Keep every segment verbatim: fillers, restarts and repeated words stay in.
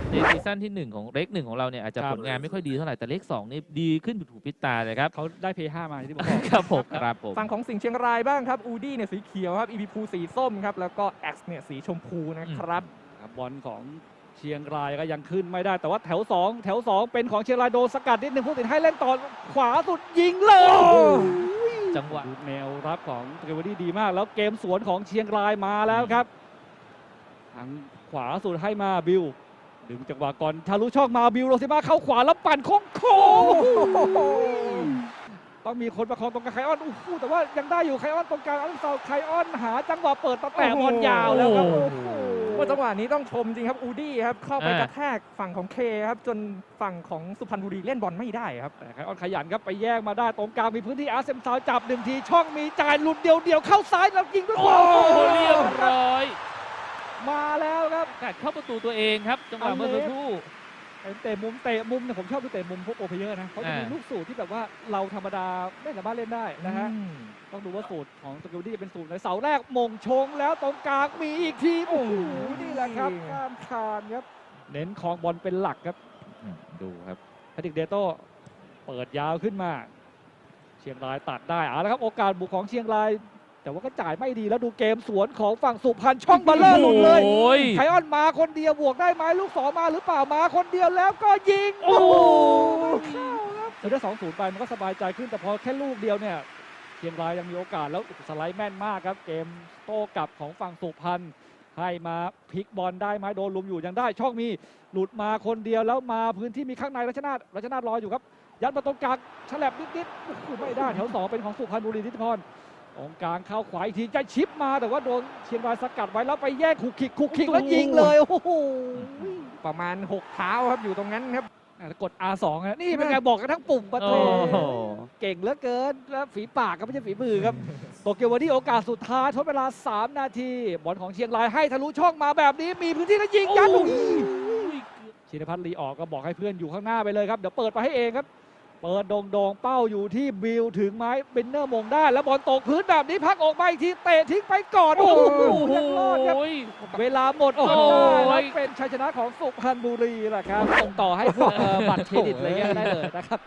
ในซีซั่นที่หนึ่งของเลขหนึ่งของเราเนี่ยอาจจะผลงานไม่ค่อยดีเท่าไหร่แต่เลขสองนี่ดีขึ้นถูกพิตาเลยครับเขาได้เพย์ห้ามาที่ผมบอกครับผมครับผมฝั่งของสิงห์เชียงรายบ้างครับอูดี้เนี่ยสีเขียวครับอีพีพูสีส้มครับแล้วก็แอ็กซ์เนี่ยสีชมพูนะครับครับบอลของเชียงรายก็ยังขึ้นไม่ได้แต่ว่าแถวสองแถวสองเป็นของเชียงรายโดนสกัดนิดนึงผู้ตัดสินให้เล่นต่อขวาสุดยิงเลยจังหวะดูแนวรับของเกวอรี่ดีมากแล้วเกมสวนของเชียงรายมาแล้วครับทางขวาสุดให้มาบิวดึงจังหวะก่อนทะลุช่องมาบิวโรซิมาเข้าขวาแล้วปั่นโค้งโค้งต้องมีคนประคองตรงกลางไคออนอู้หูแต่ว่ายังได้อยู่ไคออนตรงกลางอันเซาไคออนหาจังหวะเปิดตะแตะบอลยาวแล้วครับโอ้โอ้โหโหว่าจังหวะนี้ต้องชมจริงครับอูดี้ครับเข้าไปอ่ากระแทกฝั่งของเคครับจนฝั่งของสุพรรณบุรีเล่นบอลไม่ได้ครับแต่ไคออนขยันครับไปแย่งมาได้ตรงกลางมีพื้นที่อาร์เซมซาวจับหนึ่งทีช่องมีจ่ายหลุดเดียวเดียวๆเข้าซ้ายแล้วยิงด้วยขโอ้วาโหเรียบร้อยมาแล้วครับกัดเข้าประตูตัวเองครับจังหวะเมื่อสักครู่เป็นเตะมุมเตะมุมเนี่ยผมชอบดูเตะมุมพวกโปรเพลเยอร์นะเขาจะมีอ่าลูกสูตรที่แบบว่าเราธรรมดาไม่สามารถเล่นได้นะฮะอืมต้องดูว่าสูตรของสกิลดี้เป็นสูตรในเสาแรกมงชงแล้วตรงกลางมีอีกทีโอ้โหนี่แหละครับข้ามคานครับเน้นคลองบอลเป็นหลักครับอืมดูครับแพทริกเดโต้เปิดยาวขึ้นมา เชียงรายตัดได้เอาละครับโอกาสบุกของเชียงราย แต่ว่าก็จ่ายไม่ดีแล้วดูเกมสวนของฝั่งสุพรรณช่องบัลเลอร์หลุดเลยโอ้ยไคออนมาคนเดียวบวกได้ไหมลูกสองมาหรือเปล่ามาคนเดียวแล้วก็ยิงโอ้โหเข้าครับเธอได้สองศูนย์ไปมันก็สบายใจขึ้นแต่พอแค่ลูกเดียวเนี่ยเชียงรายยังมีโอกาสแล้วสไลด์แม่นมากครับเกมโต้กลับของฝั่งสุพรรณให้มาพลิกบอลได้ไหมโดนลุมอยู่ยังได้ช่องมีหลุดมาคนเดียวแล้วมาพื้นที่มีข้างในรัชนาทรัชนาทรออยู่ครับยัดมาตรงกลางฉลับนิดๆโอ้โหไม่ได้แถวสองเป็นของสุพรรณบุรีทิติพรตรงกลางเข้าขวาอีกทีจะชิปมาแต่ว่าโดนเชียงรายสกัดไว้แล้วไปแย่งขุกขิกขุกขิกแล้วยิงเลยโอ้โหประมาณหกเท้าครับอยู่ตรงนั้นครับอ่ะกด อาร์ สอง นะนี่เป็นไงบอกกันทั้งปุ่มประโอ้ตูโหเก่งเหลือเกินแล้วฝีปากก็ไม่ใช่ฝีมือครับโตเกียววันนี้โอกาสสุดท้ายทดเวลาสามนาทีบอลของเชียงรายให้ทะลุช่องมาแบบนี้มีพื้นที่แล้วยิงยัดลูกชินพัฒน์ลีออกก็บอกให้เพื่อนอยู่ข้างหน้าไปเลยครับเดี๋ยวเปิดไปให้เองครับเปิดโด่งๆเป้าอยู่ที่บิลถึงไม้เบนเนอร์มงได้แล้วบอลตกพื้นแบบนี้พักออกมาอีกทีเตะทิ้งไปก่อนโอ้โหยังรอดครับ เวลาหมดโอ้โหได้แล้วเป็นชัยชนะของสุพรรณบุรีแหละครับส่งต่อให้พวกเอ่อบัตรเครดิตอะไรเงี้ยได้เลยนะครับ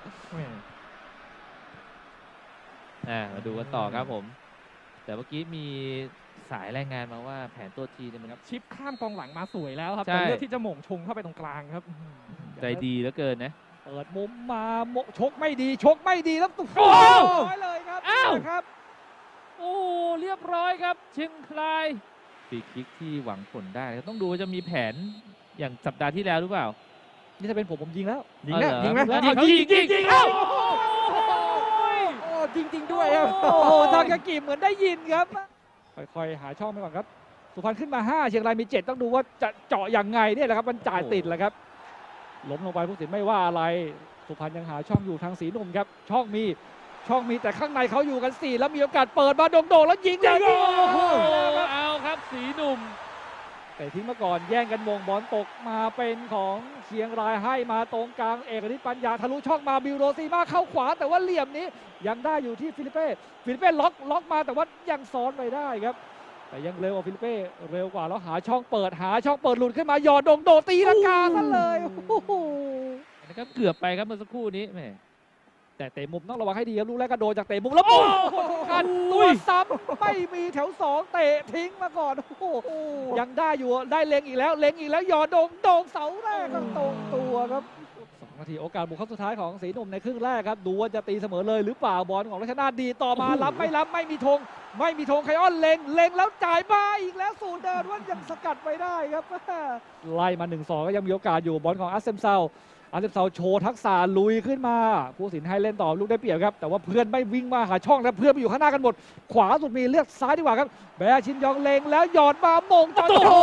อ่ามาดูกันต่อครับผม แต่เมื่อกี้มีสายรายงานมาว่าแผนตัวทีเนี่ยมันชิปข้ามกองหลังมาสวยแล้วครับใช่แต่เลือกที่จะหม่งชงเข้าไปตรงกลางครับใจดีเหลือเกินนะเปิดมุมมาโมชกไม่ดีชกไม่ดีแล้วตุ๊โอ้ร้อยเลยครับอ้าวครับโอ้เรียบร้อยครับเชียงรายฟรีคิกที่หวังผลได้ต้องดูว่าจะมีแผนอย่างสัปดาห์ที่แล้วหรือเปล่านี่ถ้าเป็นผมผมยิงแล้วยิงนะเอาเหรอยิงไหมแล้วยิงเอายิงยิงยิงเอ้าโอ้จริง ๆ ด้วยครับโอ้โหทางกากิเหมือนได้ยินครับค่อยๆหาช่องไปก่อนครับสุพรรณขึ้นมาห้าเชียงรายมีเจ็ดต้องดูว่าจะเจาะอย่างไงเนี่ยแหละครับมันจ่ายติดแหละครับล้มลงไปผู้สินไม่ว่าอะไรสุพรรณยังหาช่องอยู่ทางสีหนุ่มครับช่องมีช่องมีแต่ข้างในเขาอยู่กันสี่แล้วมีโอกาสเปิดมาโด่งๆแล้วยิงเลยโอ้โอ้โหโหเอาครับสีหนุ่มแต่ทิ้งมาก่อนแย่งกันมงบอลตกมาเป็นของเชียงรายให้มาตรงกลางเอกฤทธิ์ปัญญาทะลุช่องมาบิวโรซีมาเข้าขวาแต่ว่าเหลี่ยมนี้ยังได้อยู่ที่ฟิลิเป้ฟิลิเป้ล็อกล็อกมาแต่ว่ายังซ้อนไปได้ครับแต่ยังเร็วกว่าฟิลิเป้เร็วกว่าแล้วหาช่องเปิดหาช่องเปิดหลุดขึ้นมาหยอดโดงโดตีลังกาซะเลยโอ้โหนะครับเกือบไปครับเมื่อสักครู่นี้แหมแต่เตะมุมต้องระวังให้ดีครับลูกแรกก็โดนจากเตะมุมแล้วปุ๊บกันตัวซ้ำไม่มีแถวสองเตะทิ้งมาก่อนโอ้โหยังได้อยู่ได้เล็งอีกแล้วเล็งอีกแล้วหยอดโดงโดงเสาแรกก็ตรงตัวครับสองนาทีโอกาสบุกเข้าสุดท้ายของสีหนุ่มในครึ่งแรกครับดูว่าจะตีเสมอเลยหรือเปล่าบอลของรัชนาทดีต่อมารับไม่รับไม่มีธงไม่มีธงไคออนเล็งเล็งแล้วจ่ายมาอีกแล้วสูนเดินว่ายังสกัดไปได้ครับไล่มา หนึ่งสอง ก็ยังมีโอกาสอยู่บอลของอาร์เซมเซาอาร์เซมเซาโชว์ทักษะลุยขึ้นมาผู้สินให้เล่นต่อลูกได้เปรียบครับแต่ว่าเพื่อนไม่วิ่งมาหาช่องแล้วเพื่อนไปอยู่ข้างหน้ากันหมดขวาสุดมีเลือกซ้ายดีกว่าครับแบร์ชินยองเล็งแล้วหยอดมาโมงจอโอ้โจโห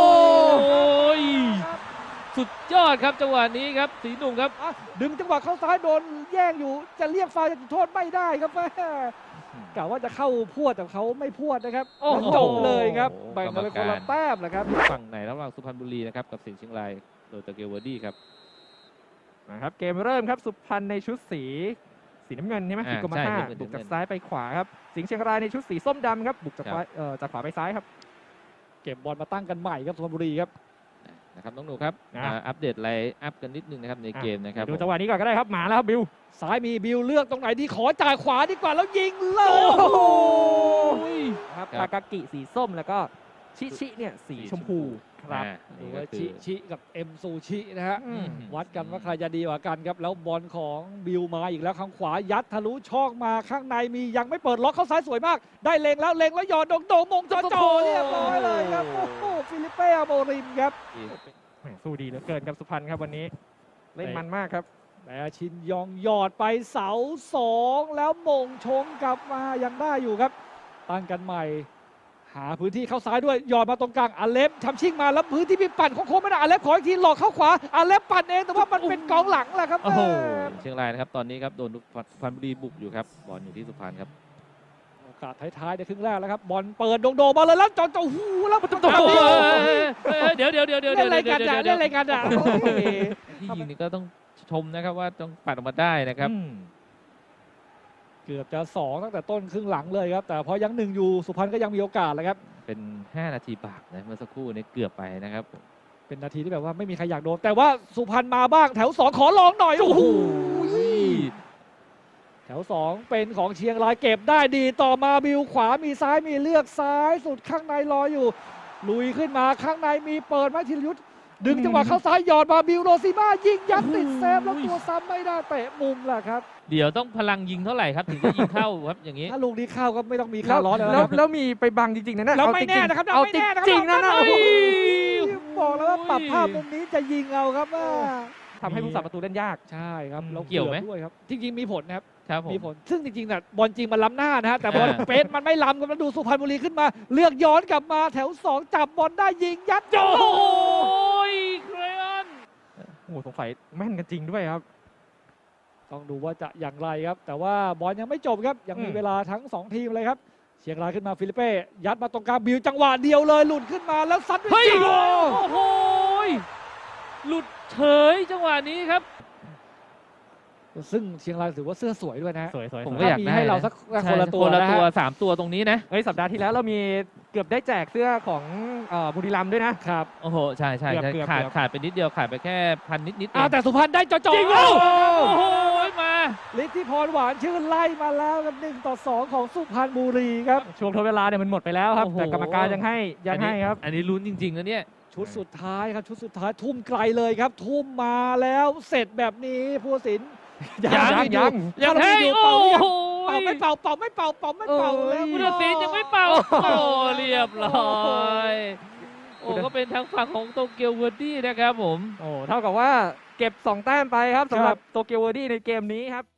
สุดยอดครับจังหวะนี้ครับสีหนุ่มครับอ่ะดึงจังหวะเข้าซ้ายโดนแย่งอยู่จะเรียกฟาวล์จะจุดโทษไม่ได้ครับแม่กะว่าจะเข้าพวดแต่เขาไม่พวดนะครับโอ้โหจบเลยครับแบ่งกันเป็นคนละแต้มแหละครับฝั่งไหนระหว่างสุพรรณบุรีนะครับกับสิงห์เชียงรายโดยตะเกียวเวอร์ดี้ครับนะครับเกมเริ่มครับสุพรรณในชุดสีสีน้ำเงินใช่ไหมอ่าสีกรมใช่ท่าน้ำเงินบุกจากน้ำเงินซ้ายไปขวาครับสิงห์เชียงรายในชุดสีส้มดำครับบุกจากครับขวาเอ่อจากขวาไปซ้ายครับเก็บบอลมาตั้งกันใหม่ครับสุพรรณบุรีครับนนะครับน้องหนูครับนะมาอัปเดตไลน์อัพกันนิดนึงนะครับในเกมนะครับดูจังหวะนี้ก่อนก็ได้ครับมาแล้วครับบิวซ้ายมีบิวเลือกตรงไหนดีขอจ่ายขวาดีกว่าแล้วยิงเลยโอ้โหโอ้ยครับครับทากากิสีส้มแล้วก็ชิชิเนี่ยสีชมพูครับอ่าหรืนี่อก็ว่าคืชิอชิกับเอ็มซูชินะฮะอืมวัดกันว่าใครจะดีกว่ากันครับ แล้วบอลของบิวมาอีกแล้วข้างขวายัดทะลุช่องมาข้างในมียังไม่เปิดล็อกเข้าซ้ายสวยมาก ได้เล็งแล้วเล็งแล้วหยอดโดงโดงมงจอจอเรียบร้อยเลยครับโอ้โหฟิลิปเป้โมริมครับแหม่สู้ดีเหลือเกินครับสุพรรณครับวันนี้ เล่นมันมากครับแต่ชินยองหยอดไปเสาสองแล้วมงชงกลับมายังได้อยู่ครับ ตั้งกันใหม่ หาพื้นที่เข้าซ้ายด้วยหยอดมาตรงกลางอาเล็บทำชิ่งมาแล้วพื้นที่มีปั่นโค้งๆไม่ได้อาเล็บขออีกทีหลอกเข้าขวาอาเล็บปั่นเองแต่ว่ามันเป็นกองหลังแหละครับโอ้โหแม่เชียงรายนะครับตอนนี้ครับโดนสุพรรณบุรีบุกอยู่ครับบอลอยู่ที่สุพรรณครับโอกาสท้ายๆในครึ่งแรกแล้วครับบอลเปิดโดงๆมาเลยแล้วจอจอหูแล้วมันโอ้โหเดี๋ยวเดี๋ยวเดี๋ยวเดี๋ยวเล่เดี๋นยวอะไรเดี๋กัยนวเดี๋อ่ะยวเล่นอะไรกันอ่ะโอ้ยที่ยิงนี่ก็ต้องชมนะครับว่าต้องปัดออกมาได้นะครับอืมเกือบจะสองตั้งแต่ต้นครึ่งหลังเลยครับแต่พอยังหนึ่งอยู่สุพรรณก็ยังมีโอกาสเลยครับเป็นห้านาทีบาปนะเมื่อสักครู่นี้เกือบไปนะครับเป็นนาทีที่แบบว่าไม่มีใครอยากโดนแต่ว่าสุพรรณมาบ้างแถวสองขอลองหน่อยโอ้โหแถวสองเป็นของเชียงรายเก็บได้ดีต่อมาบิวขวามีซ้ายมีเลือกซ้ายสุดข้างในรออยู่ ลุยขึ้นมาข้างในมีเปิดมาธีรยุทธ์ดึงจังหวะเข้าซ้ายหยอดมาบิวโรซิมายิงยัดติดเซฟแล้วตัวซ้ำไม่ได้เตะมุมแหละครับเดี๋ยวต้องพลังยิงเท่าไหร่ครับถึงจะยิงเข้าครับอย่างนี้ถ้าลูกนี้เข้าก็ไม่ต้องมีแล้ค่าว ร้อนแล้วแล้วนะครับแล้วมีไปบังจริงๆนะเนี่ยแล้วเอาไม่จริงๆแน่นะครับเอาไม่แน่นะครับจริงๆนะนะเฮ้โอ้ยโหบอกแล้วว่าปรับภาพมุมนี้จะยิงเอาครับว่าทำให้ผู้สาประตูเล่นยากใช่ครับอืมเราเกี่ยวไหมด้วยครับจริงๆมีผลนะครับครับผมมีผลซึ่งจริงๆน่ะบอลจริงมันล้ำหน้านะฮะแต่บอลอ่าเป๊ะมันไม่ล้ำกันมาดูสุพรรณบุรีขึ้นมา เลือกย้อนกลับมาแถวสองจับบอลได้ยิงยัดโจโอ้ยเครออนโอ้โหสงสัยแม่นกันจริงด้วยครับต้องดูว่าจะอย่างไรครับ แต่ว่าบอลยังไม่จบครับยังมีอืมเวลาทั้งสองทีมเลยครับเชียงรายขึ้นมาฟิลิปเป้ยัดมาตรงกลางบิวจังหวะเดียวเลยหลุดขึ้นมาแล้วซัดด้วยเฮ้ยจิโร่โอ้โหหลุดเฉยจังหวะนี้ครับซึ่งเชียงรายถือว่าเสื้อสวยด้วยนะฮะสวยๆสวยผมๆก็อยากมีได้ให้เรานะสักคนละตัวคนละนะตัวฮะสามตัวตรงนี้นะเฮ้ยสัปดาห์ที่แล้วเรามีเกือบได้แจกเสื้อของเอ่อบุรีรัมย์ด้วยนะครับโอ้โหใช่ใช่เกือบใช่เกือบขาดเกือบขาดไปนิดเดียวขาดไปแค่พันนิดนิดเออ้าวงแต่สุพรรณได้จ่อจริงๆเหรอ โอ้โหมาฤทธิพรหวานชื่นไล่มาแล้วกับหนึ่งต่อสองของสุพรรณบุรีครับช่วงทดเวลาเนี่ยมันหมดไปแล้วครับโอ้โหแต่กรรมการยังให้ยังให้ครับอันนี้ลุ้นจริงๆนะเนี่ยชุดสุดท้ายครับชุดสุดท้ายทุ่มไกลเลยครับ ทุ่มมาแล้วเสร็จแบบนี้ผู้ตัดสินยังยังยังยังให้ให้ดูโอ้เป่าหรือยังโหเป่าไม่เป่าเป่าไม่เป่าเป่าไม่เป่าเอ้ยแล้วผู้ตัดสินยังไม่เป่า โอ้เรียบร้อย โอ้ก็เป็นทางฝั่งของโตเกียวเวอร์ดี้นะครับผมโอ้เท่ากับว่าเก็บสองแต้มไปครับสำหรับโตเกียวเวอร์ดี้ในเกมนี้ครับ